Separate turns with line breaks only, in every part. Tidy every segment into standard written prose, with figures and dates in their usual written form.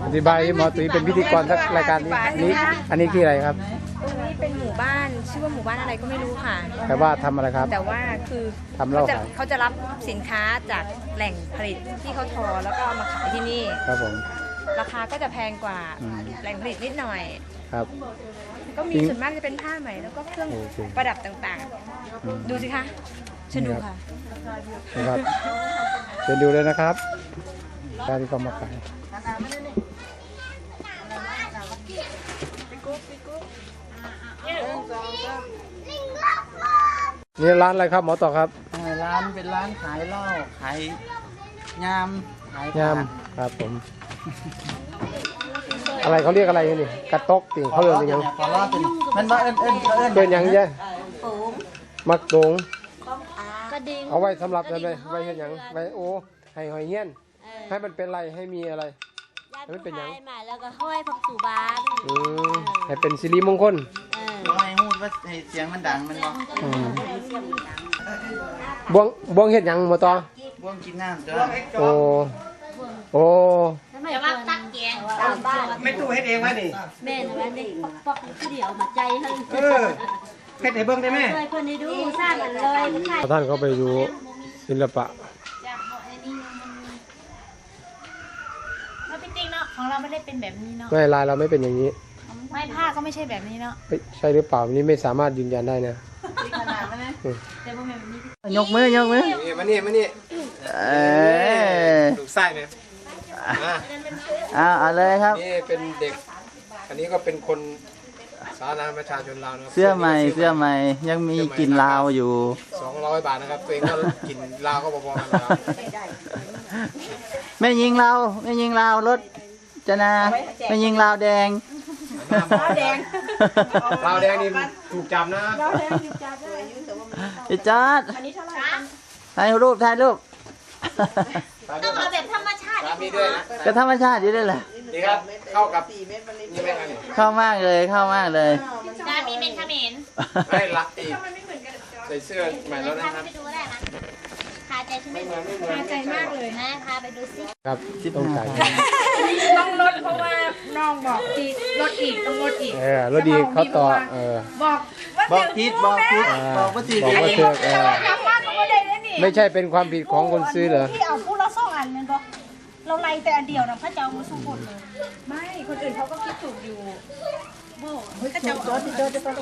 อธิบายหมอตุ๋ยเป็นพิธีกรสักรายการนี้อันนี้คืออะไรครับ
ตรงนี้เป็นหมู่บ้านชื่อว่าหมู่บ้านอะไรก็ไม่รู้ค่ะ
แต่ว่าทำอะไรครับ
แต่ว่าคือ
ทำเหล้า
เขาจะรับสินค้าจากแหล่งผลิตที่เขาทอแล้วก็เอามาขายที่นี่
ครับผม
ราคาก็จะแพงกว่าแหล่งผลิตนิดหน่อย
ครับ
ก็มีส่วนมากจะเป็นผ้าไหมแล้วก็เครื่องประดับต่างๆดูสิคะเชิญดูค่ะ
นะครับเชิญดูเลยนะครับการที่เขามาขายนี่ร้านอะไรครับหมอต่อครับ
ร้านเป็นร้านขายเหล้าขายยามขาย
ยามครับผมอะไรเขาเรียกอะไรนี่กระตกติเขาเรียกอะไรยัง
มันว่า
เดินยังเยอะมักโด่ง
กระดิ่ง
เอาไว้สำหรับอะไรไว้เห็นยังไว้โอ้ให้หอยเงี้ยนให้มันเป็นไรให้มีอะไรให้มันเป็นยัง
มาแล้วก็ห้อยพักสู่บ้าน
ให้เป็นสิริมงคล
ให้พูดว่าให้เสียงมันดังมัน
บอกบวงเห็ดยังหมดต่อ
บ่วงกินน้ำจ้ะ
โอ้
จะว่าตักแกง
ไม่ตู้เฮ็ดเองวะนี่
แม่นะนี่ปอกๆเดี๋ยวมาใจให้
เฮ็ดให้เบิ่งได้ไหม
ช่วยเพื่อนให้ดูสร้างกันเลย
ท่านเขาไปดูศิลปะ
เราจริงๆเนาะของเราไม่ได้เป็นแบบนี้เนาะ
ไม่ลายเราไม่เป็นอย่างนี้
ไม่ผ้าก็ไม่ใช่แบบนี้เนาะ
ใช่หรือเปล่านี่ไม่สามารถยืนยันได้นะ
ยกมือยกมือ
มานี่ลูกไส้เนี่ย
เอาเลยครับ
นี่เป็นเด็กอันนี้ก็เป็นคนสาธารณประชาชนลาวนะ
เสื้อใหม่ยังมีกลิ่นลาวอยู่
200 บาทนะครับตัวเองก็กลิ่นลาวก็พอๆกันแล้ว
ไม่ยิงลาวรถจะนาไม่ยิงลาวแดง
ลาวแดงนี่ถูกจับนะ
พี่จอดถ่ายรูป
ต้องเอาแบบธรรมชาติ
มีด้วยนะ
ก็ธรรมชาติอยู่ด้วยแหละ
ดีครับเข้ากับนี่ไหมครับ
เข้ามากเลย
จะมีเมนคาเมน
ไม่รักอีกใส่เสื้อใหม่แล้วนะครับ
ไปดูได้นะคาใจใช่ไหมคาใจมากเลยนะพาไปดูสิ
ครับต้องจ่าย
ต้องลดเพราะว่าน้องบอกทีลดอีกต้องลดอีก
ลดอีกเขาต่อ
บอกผิดบอกว่าสิ
ไม่ใช่เป็นความผิดของคนซื้อเหรอ
ที่เอาพูดละ2 อันมันบอกเราไล่แต่อันเดียวนะพระเจ้ามาสู้คนเลย
ไม่คนอื่นเขาก็คิดถูกอยู่
พระเจ้าโจที่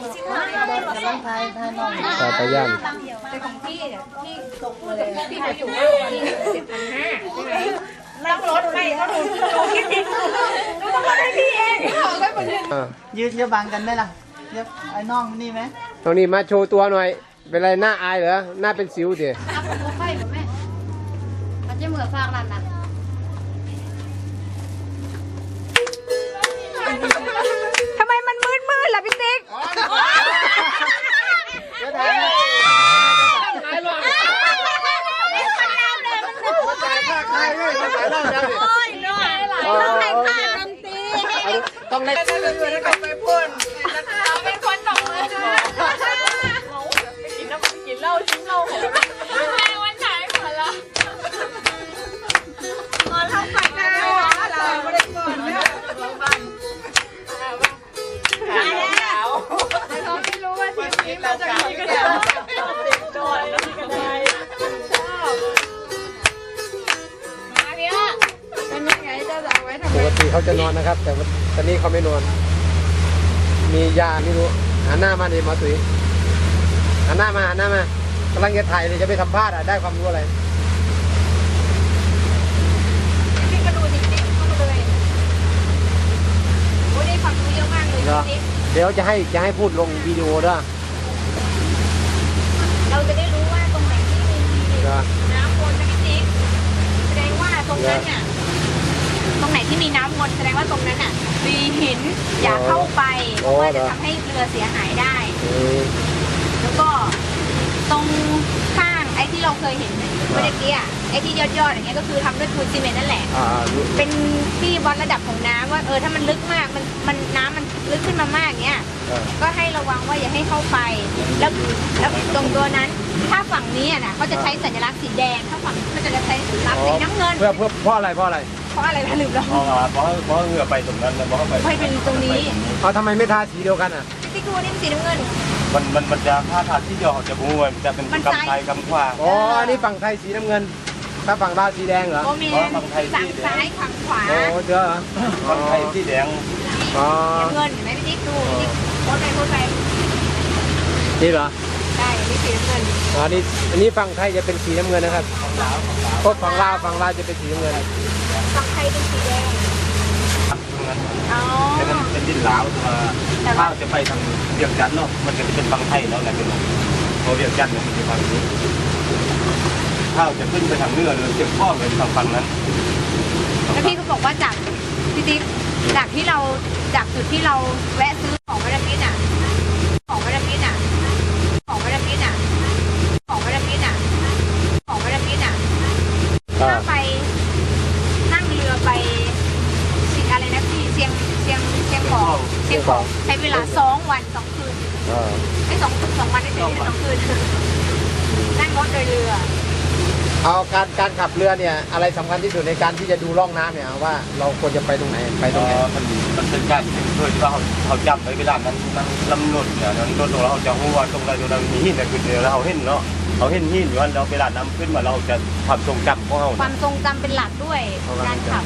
ต่อไปย่าน
แต่ของพี่ที่ตกเลยพี่เขาอยู่ว่า10,500ใช่ไหมต้องลดไปก็ถูกคิดผิดต้องลดให้พี่เอง
ยืนจะบังกันได้ล่ะไอ้น้องนี่ไหม
ตรงนี้มาโชว์ตัวหน่อยเป็นไรหน้าอายเหรอหน้าเป็นสิวเดี๋ยว
ไฟหรือแม่มันจะเหมือนฟางนั่นนะ
ทำไมมันมืดล่ะพี่ติ๊ก
ต้องได้
ไปพูดเป็นคนตกเลยกินเหล้าชิ้นเหล้าของวันไหนหมดละก่อนทำฝันนะเราไม่ได้ก่อนนะแต่เขาไม่รู้ว่าทีนี้มาจากที่กระดาษโดนแล้วที่กระดาษชอบมาเนี่ยเป็นยังไงจะเอาไว้ทำไม
ปกติเขาจะนอนนะครับแต่ตอนนี้เขาไม่นอนมียาไม่รู้หันหน้ามาดิหมอตุ๋ยหันหน้ามากำลังจะถ่ายเลยจะไปสัมภาษณ์ได้ความรู้อะไร
พี่กระดูกจริงๆเข้ามาเลยโอ้ได้ความรู้เยอะมากเลย
เดี๋ยวจะให้พูดลงวิดีโอด้วย
เราจะได้รู้ว่าตรงไหนที่มีน้ำวนนะพี่ติ๊กแสดงว่าตรงนั้นเนี่ยตรงไหนที่มีน้ำวนแสดงว่าตรงนั้นน่ะมีหินอย่าเข้าไปเพราะว่าจะทำให้เรือเสียหายได้แล้วก็ตรงข้างไอ้ที่เราเคยเห็นเมื่อกี้ไอ้ที่ยอดอย่างเงี้ยก็คือทำด้วยปูนซีเมนต์นั่นแหละเป็นที่วัดระดับของน้ำว่าถ้ามันลึกมากมันน้ำมันลึกขึ้นมามากเงี้ยก็ให้ระวังว่าอย่าให้เข้าไปแล้วตรงตัวนั้นถ้าฝั่งนี้น่ะเขาจะใช้สัญลักษณ์สีแดงถ้าฝั่งเขาจะใช้สัญลักษณ์สีน้ำเงิน
เพราะอะไร
เพราะอะไรนะลืมแล้ว
เพราะเหงื่อไปตรงนั้นแล้วเพราะไป
ไม่เป็นตรงนี้
เอาทำไมไม่ทาสีเดียวกันอ่ะ
พี่ติ๊กดูนี่มันสีน้ำเงิน
มันจะผ้าทาที่เดียวจะบูมันจะเป็นกำไทยกำขวา
อ๋ออันนี้ฝั่งไทยสีน้ำเงิน ถ้าฝั่งลาวสีแดงเหรอ
โมเมนฝั่งซ้ายฝั่งขวา
โอ้เจอเหรอ
กำไทยที่แดง
อ๋อ
น้ำเงินเห็นไหมพี่ติ๊กดูพี่ติ๊กโพสไป
นี่เหรอ
ได้นี่สีน้ำเงิน
อ๋อนี่อันนี้ฝั่งไทยจะเป็นสีน้ำเงินนะครับพวกฝั่งลาวจะเป็นสีน้ำเงิน
ฝั่งไทยเป็นสีแดงอ๋อ
เป็นดินลาวถ้าจะไปทางเวียงจันทร์เนาะมันจะเป็นฝั่งไทยแล้วแหละเป็นพอเวียงจันทร์เนี่ยมันจะฝั่งนี้ถ้าจะขึ้นไปทางเหนือเลยเชียงพ่อเลยฝั่งนั้น
แล้วพี่ก็บอกว่าจากพี่ติ๊กจากจุดที่เราแวะซื้อของมาดามฟินอ่ะของมาดามฟินอ่ะถ้าไปนั่งเรือไปอะไรนะพี่เชียงของใช้เวลา2 วัน2 คืน ไม่2 วันได้2 คืนนั่งรถโดยเรือ
เอาการขับเรือเนี่ยอะไรสำคัญที่สุดในการที่จะดูร่องน้ำเนี่ยว่าเราควรจะไปตรงไหน
มันเป็นการด้วยที่ว่าเขาจำไว้เวลานั้นลำนดเนี่ยนั้นรถเราจะหัวตรงใดตรงนั้นมีหินแต่คือเราเห็นเนาะเขาเห็นหินอยู่แล้วเวลาน้ำขึ้นมาเราจะความทรงจำของเรา
ความทรงจำเป็นหลักด้วยการขับ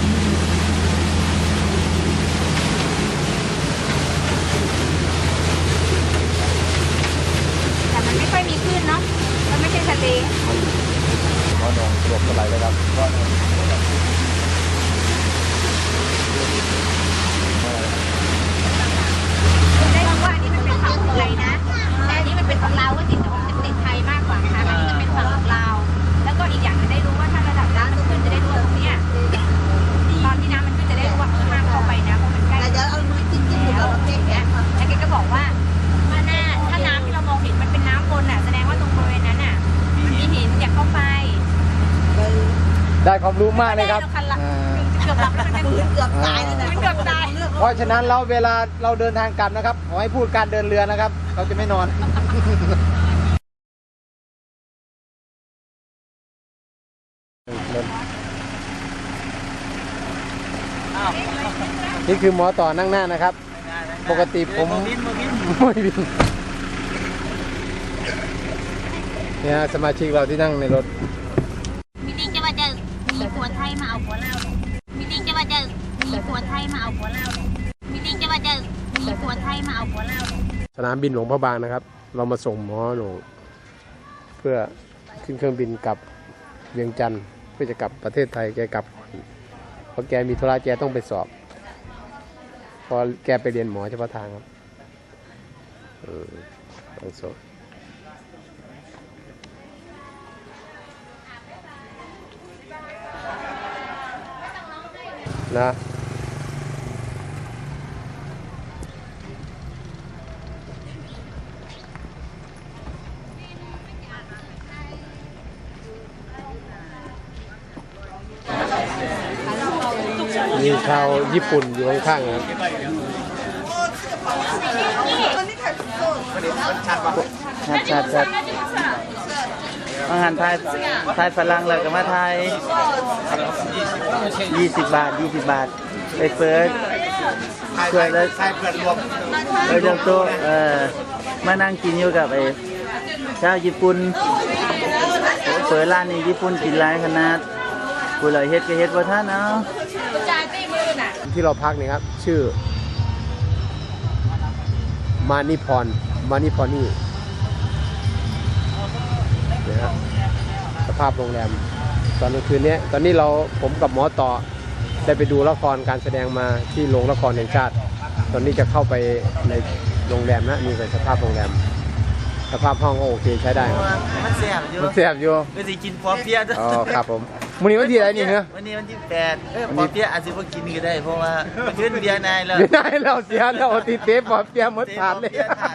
แต่มันไม่ค่อยมีคลื่นเนาะมันไม่ใช่ทะเล
อ๋อดองรวมกันไหลเลยครับ
ได้รู้ว่าอันนี้มันเป็นฝั่งของไทยนะแต่อันนี้มันเป็นฝั่งลาวก็จริงแต่ว่ามันจะติดไทยมากกว่านะคะอันนี้จะเป็นฝั่งของลาวแล้วก็อีกอย่างจะได้รู้ว่าถ้าระดับน้ำสูงขึ้นจะได้รู้ว่าตรงเนี้ยตอนที่น้ำมันขึ้นจะได้รู้ว่าห้ามเข้าไปนะเพราะมันใกล้แล้วแกก็บอกว่าถ้าน้ำที่เรามองเห็นมันเป็นน้ำวนอ่ะแสดงว่าตรงบริเวณนั้นอ่ะมันมีหินอย่าเข้าไป
ได้ความรู้มากเลยครับ
เกือบหลับแล้วมันเกือบตายเลยนะเกือบตาย
เพราะฉะนั้นเราเวลาเราเดินทางกลับนะครับขอให้พูดการเดินเรือนะครับ เราจะไม่นอน นี่คือหมอต่อนั่งหน้านะครับ ปกติผมไม่บินเนี่ยสมาชิกเราที่นั่งในรถ
มิลิจะว่าจะมีผัวไทยมาเอาผัวเรามิลิจะว่าจะมีผัวไทยมาเอาผัวเรามิลิจะว่าจะมีผัวไทยมาเอาผัวเรา
สนามบินหลวงพระบางนะครับ เรามาส่งหมอหลวงเพื่อขึ้นเครื่องบินกลับเวียงจันทร์เพื่อจะกลับประเทศไทยแกกลับเพราะแกมีธุระแกต้องไปสอบพอแกไปเรียนหมอเฉพาะทางครับต้องสอบนะมีชาวญี่ปุ่นอยู่ข้างๆนะครับชัด
อาหารไทยฝรั่งเลยกับมาไทย20 บาทไปเปิดช่วยเลยเรื่องโต๊ะมานั่งกินอยู่กับไอ้ชาวญี่ปุ่นเปิดร้านนี้ญี่ปุ่นกินหลายขนาดผู้เลยเฮ็ดก็เฮ็ดบ่ทันเอา
ที่เราพักนี่ครับชื่อมานิพรนี่นะครับสภาพโรงแรมตอนกลางคืนนี้ตอนนี้ผมกับหมอต่อได้ไปดูละครการแสดงมาที่โรงละครแห่งชาติตอนนี้จะเข้าไปในโรงแรมนะนี่เป็นสภาพโรงแรมสภาพห้องก็โอเคใช้ได้ครับ
มันแซ่บอยู่ก็สิกินพอเพียอ๋
อครับผมวันนี้วันที่อะไรนี่เหรอ
วันนี้วันที่8พอเพียอาจสิบ่กินก็ได้เพราะว่าขึ้นเบียร์นายแล้ว
เสียแล้วติดเทปพอเพียหมดถาดเลย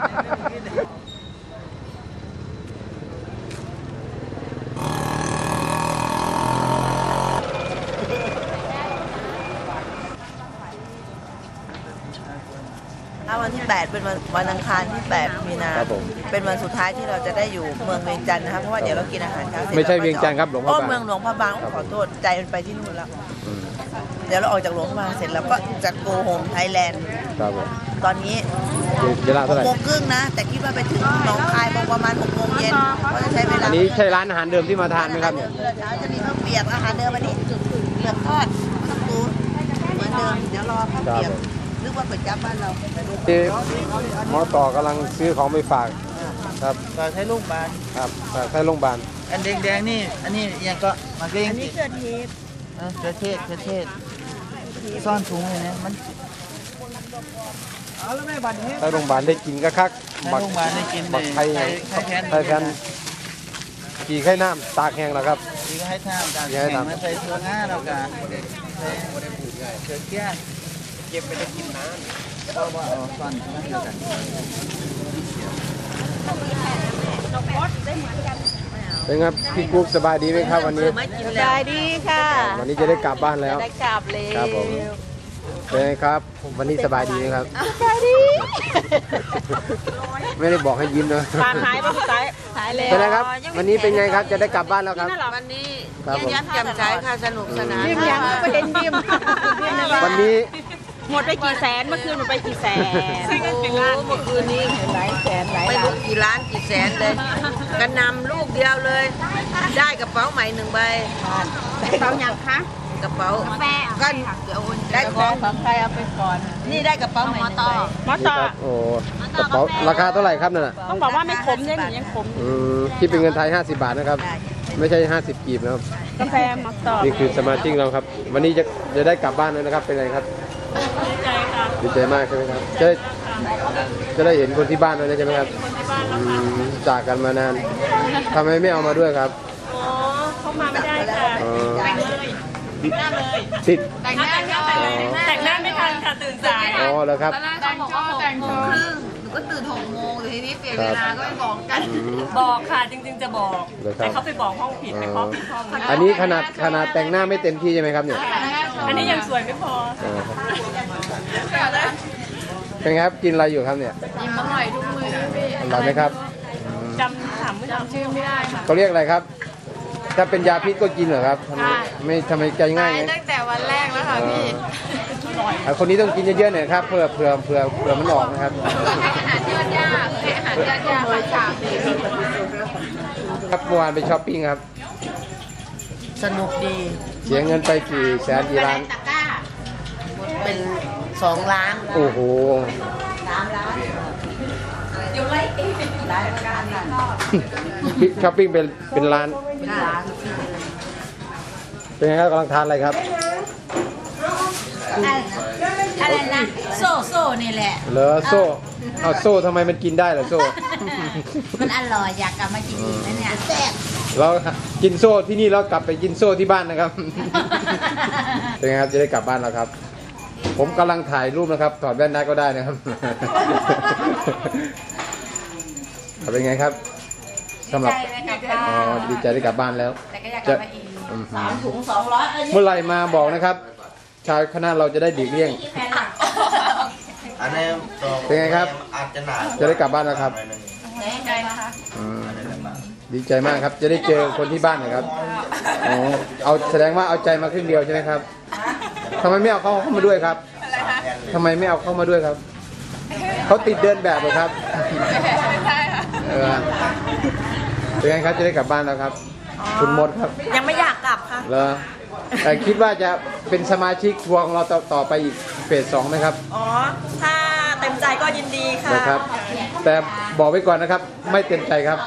วันที่ 8 เป็นวันอังคารที่ 8 มีนาเป็นวันสุดท้ายที่เราจะได้อยู่เมืองเวียงจันทร์นะครับเพราะว่าเดี๋ยวเรากินอาหารเช้าเสร็จ
ไม่ใช่เวียงจันทร์ครับหลวงพระบาง
เมืองหลวงพระบางขอโทษใจมันไปที่นู่นแล้วเดี๋ยวเราออกจากหลวงพระบางเสร็จแล้วก็จะโกโฮมไทยแลนด์
ครับผม
ตอนนี้
เวลาเท่าไหร่
6:30นะ แต่คิดว่าไปถึงหนองคายประมาณ6 โมงเย็นก็จะใช้เวลา
อันนี้ใช่ร้านอาหารเดิมที่มาทานไหมครับเนี่ย
เช้าจะมีข้าวเปียกอาหารเดิมวันนี้เปียกทอดข้าวปูเหมือนเดิมเดี๋ยวรอข้าวเปียกนึกว่าเปิดจับบ้านเรา
ที่หมอต่อกำลังซื้อของไปฝากครับ
ฝากให้ลูกบ้าน
ครับฝากให้โรงพยาบาล
อันแดงๆนี่อันนี้ยังก็มาเกรง
อันนี้เกิดเหตุ
เกลือเทศซ่อนถุงเลยนะมัน
ให้โรงพยาบาลได้กินก็คัก
ให้ลูกบ้านได้กิน
บักไทย
ไข่แพน
ไทยแพนกี่ไข่น้ำตากแห้งแล้วครับ
นี่ก็ให้ท่ามการ
ให้
แข่ง
ทำ
มาใส่ถั่วงาเรากะใส่เกลือเกี้ย
เก็บไปได้กินน้
ก็ว่าเอาซ่อนทั้งเดียวกัน
เป็นไงครับพี่กุ๊กสบายดีไหมครับวันนี้
สบายดีค่ะ
วันนี้จะได้กลับบ้านแล้ว
ได้กลับเลย
ครับผม เป็นไงครับ วันนี้สบายดีไหมครับ
สบายดี
ไม่ได้บอกให้ยิ้มนะ
ปานหายไปสุดท้ายหายแล้ว
เป็นไงครับ วันนี้เป็นไงครับจะได้กลับบ้านแล้วครับ
วันนี้
ครับผม
ยิ้มแย้มแจ่มใสค่ะสนุกสนาน
ยิ้มยังก็เห็นยิ้ม
วันนี้
หมดไปกี่แสนเมื่อคืนหมดไปกี่แสน
โอ้เมื่อคืนนี้
หลายแสนหลาย
ไม่
ล้า
รู้
น
กี่ล้านกี่แสนเลยกระนำลูกเดียวเลย ได้กระเป๋าใหม่1 ใบ
เป๋ายังคะ
กระเป๋า
แปะ
ก็ได้ของ
ของใครเอาไปก่อน
นี่ได้กระเป๋าใหม่1 ใบ
มอ
นี่
ต่อ
ครับโอ้กระเป๋าราคาเท่าไหร่ครับนั่นน่ะ
ต้องบอกว่าไม่ขมเนี่ยหนูยังขม
คิดเป็นเงินไทย50 บาทนะครับ ไม่ใช่50 กีบนะครับ
กาแฟมอต่อ
นี่คือสมาชิกเราครับ วันนี้จะได้กลับบ้านแล้วนะครับ เป็นไงครับ
ดีใจค่ะ
ดีใจมากใช่ไหมครับ จะได้เห็นคนที่บ้านแล้วนะใช่ไหมครับจากกันมานานทำไมไม่เอามาด้วยครับ
อ๋อเข้ามาไม่ได้ค่ะ
อ๋อ
แต่งเลยหน้าเลย
ติด
แต่งหน้าแต่งหน้าไม่ทันค่ะตื่นสาย
อ๋อแล้วครับ
แต่งโชว์แต่งโชว์
หนูก็ตื่น6 โมงทีนี้เปลี่ยน
ค
เว
รับ
ลาก็ไม่บอกกัน
บอกค่ะจริงๆจะบอก
เลยครับ
แต่เขาไปบอกห้องผิดไปเคาะผิดห้อง
อันนี้ขนาดแต่งหน้าไม่เต็มที่ใช่ไหมครับเนี่ย
อันนี้ยังสวยไม่พอ
อ๋อเป็นไงครับกินอะไรอยู่ครับเนี่ย
ยิ้มอร่อยทุกมือพี่
อร่อยไหมครับ
จำชื่อไม่ได้ค่ะ
เขาเรียกอะไรครับ ถ้าเป็นยาพิษก็กินเหรอครับทำไมใจง่ายไง
ตั้งแต่วันแรกแล้วค่ะพี่
คนนี้ต้องกินเยอะๆหน่อยครับเผื่อมันออกนะครับ
อาหารยอดยากอาหารยอดยากค่ะ
ครับเมื่อวานไปช้อปปิ้งครับ
สนุกดี
เสียเงินไปกี่แสนกี่ล้าน
ตะกร้าเป็น2 ล้าน
โอ้โห
3 ล้านอยู่ไรเองหลายประการค่ะ
ช้อปปิ้งเป็นล้าน
เป็นล้าน
เป็นไงครับกำลังทานอะไรครับ
อะไรนะโซ่นี่แหละ
เหรอโซ่เอาโซ่ทำไมมันกินได้เหรอโซ่
มันอร่อยอยากกลับมากินอีกนะเนี่ยแซ่บ
เรากินโซ่ที่นี่แล้วกลับไปกินโซ่ที่บ้านนะครับ เป็นไงครับจะได้กลับบ้านแล้วครับ ผมกำลังถ่ายรูปนะครับถอดแว่นได้ก็ได้นะครับ เป็นไงครับสำหรับอ๋อดีใจได้กลับบ้านแล้ว
แต่ก็อยากกลับมาอีก
อืม
3 ถุง 200
เมื่อไหร่มาบอกนะครับ ชาวคณะเราจะได้ดีกเลี่ยง
อันนี้ตัว
เป็นไงครับ
อาจจะหนา
จะได้กลับบ้านแล้วครับ
ใจนะคะ
อืมดีใจมากครับ จะได้เจอคนที่บ้านนะครับอ๋อเอาแสดงว่าเอาใจมาครึ่งเดียวใช่ไหมครับทำไมไม่เอาเขาเข้ามาด้วยครับทำไมไม่เอาเข้ามาด้วยครับเขาติดเดินแบบเหรอครับเออเป็นไงครับจะได้กลับบ้านแล้วครับ คุณมดครับ
ยังไม่อยากกลับค่ะ
เหรอแต่คิดว่าจะเป็นสมาชิกทัวร์ของเราต่อไปอีกเฟส 2ไหมครับ
อ๋อ ถ้าเต็มใจก็ยินดีค่ะ
นะครับ แต่บอกไว้ก่อนนะครับ ไม่เต็มใจครับ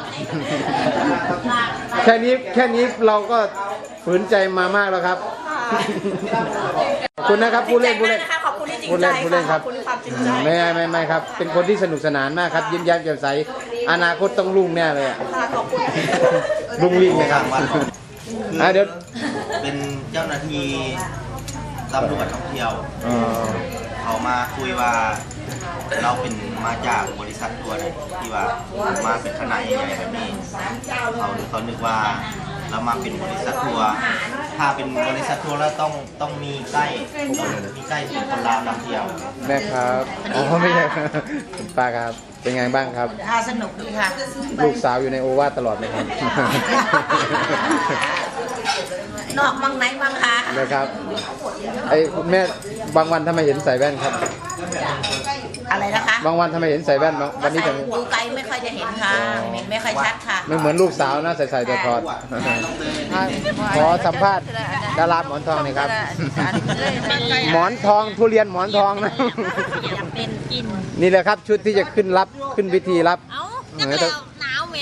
แค่นี้เราก็ฝืนใจมามากแล้วครับ ขอบคุณนะครับผู้เล่น
ขอบคุณที่จริง
ผู้
ใจ
เล่น
ค่ะ
ค
ข
รั
อบ บคุณความจริงใจ
ไม่ครับ เป็นคนที่สนุกสนานมากครับ ยิ้มแย้มแจ่มใสอนาคตต้องรุ่งแน่เลยอะ
ค่ะขอบคุณ
รุ่งริ่งนะครับเดี๋ยว
เป็นเจ้าหน้าที่ตำรวจท่องเที่ยว
อ๋อ
เขามาคุยว่าเราเป็นมาจากบริษัททัวร์เนี่ยที่ว่ามาเป็นคณะใหญ่ๆแบบนี้เขานึกว่าเรามาเป็นบริษัททัวร์ถ้าเป็นบริษัททัวร์แล้วต้องมีไกด์เป็นคนลาวนำเที่ยว
แม่ครับอ๋อไม่ใช่ครับคุณป้าครับเป็นไงบ้างครับ
สนุกดีค่ะ
ลูกสาวอยู่ในโอวาทตลอดไหมครับ
นอกบางไหนบางคะ
นะครับไอ้คุณแม่บางวันทำไมเห็นใส่แว่นครับ
อะไรนะคะ
บางวันทำไมเห็นใส่แว่นเนาะวันนี้
ใส่
ถึง
ดูไกลไม่ค่อยจะเห็นค่ะไม่ค่อยชัดค่ะ
ไม่เหมือนลูกสาวนะใส่แต่ถอดขอสัมภาษณ์ดาราหมอนทองหน่อยครับ หมอนทองทุเรียนหมอนทองนะ
เป็นกิน
นี่แหละครับชุดที่จะขึ้นรับขึ้นพิธีรับ
เอ้าจังแล้วหนาวแหม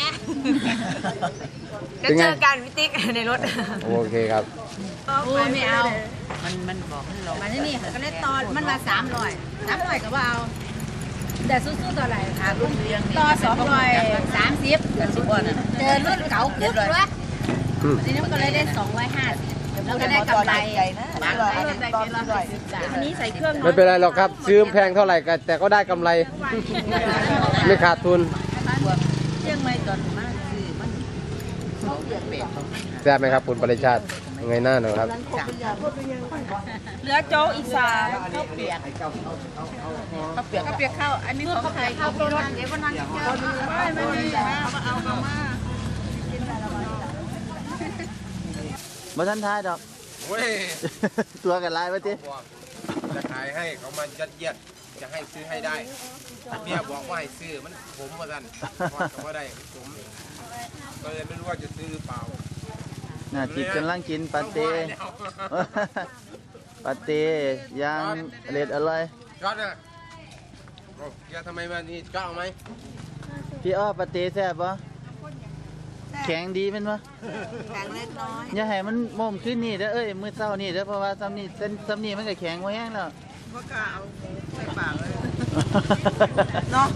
จะเจอกันพี่ติ๊กในรถ
โอเคครับ
โอ้ยไม่เอามันบอกให้ลงมาที่นี่ก็เลยตอนมันมา300ก็ว่าเอาแต่สู้ๆต่ออะไรค่ะรุ่นเรียงต่อ230เจอรุ่นเก่าปุ๊บวะทีนี้มันก็เลยได้250แล้วก็ได้กำไรอันนี้ใส่เครื่อง
ไม่เป็นไรหรอกครับซื้อแพงเท่าไหร่ก็แต่ก็ได้กำไร ไม่ขาดทุน
เชียงใหม่ตอนมากคือมัน
แซ่บไหมครับคุณปริชาติยังไงหน้าหน่อยครับ
เหลือโจ๊กอีก3ข้าวเปียกข้าวอันนี้ของใครข้าวรถเดี๋ยววันนั้นเจอไม่มีเอามา
บ่ทันทายดอก
เว้ย
ตัวกันลายมาจิ
บอกจะขายให้เขามายัดเยียดจะให้ซื้อให้ได้เมียบอกว่าให้ซื้อมันผมว่าสั่นพอดก็ได้ผมก็เลยไม่รู้ว่าจะซื้อหรือเปล่า
น่าจิตกำลังกินปาเต้ปาเต้ย่างเล็ดอร่อย
จอดนะโอ้แกทำไมมานี่จ้าเอาไหม
พี่อ้อปาเต้แซ่บปะแข็งดีเป็นปะ
แข็งเล็กน้อย
อย่าให้มันม่มขึ้นนี่เด้อเอ้ยมื้อเช้านี่เด้อเพราะว่าซ้ำนี่เส้นซ้ำนี่มันก็แข็งไว้แห้งแล้ว
ก็กล่าวใส่ปากเลยเนาะ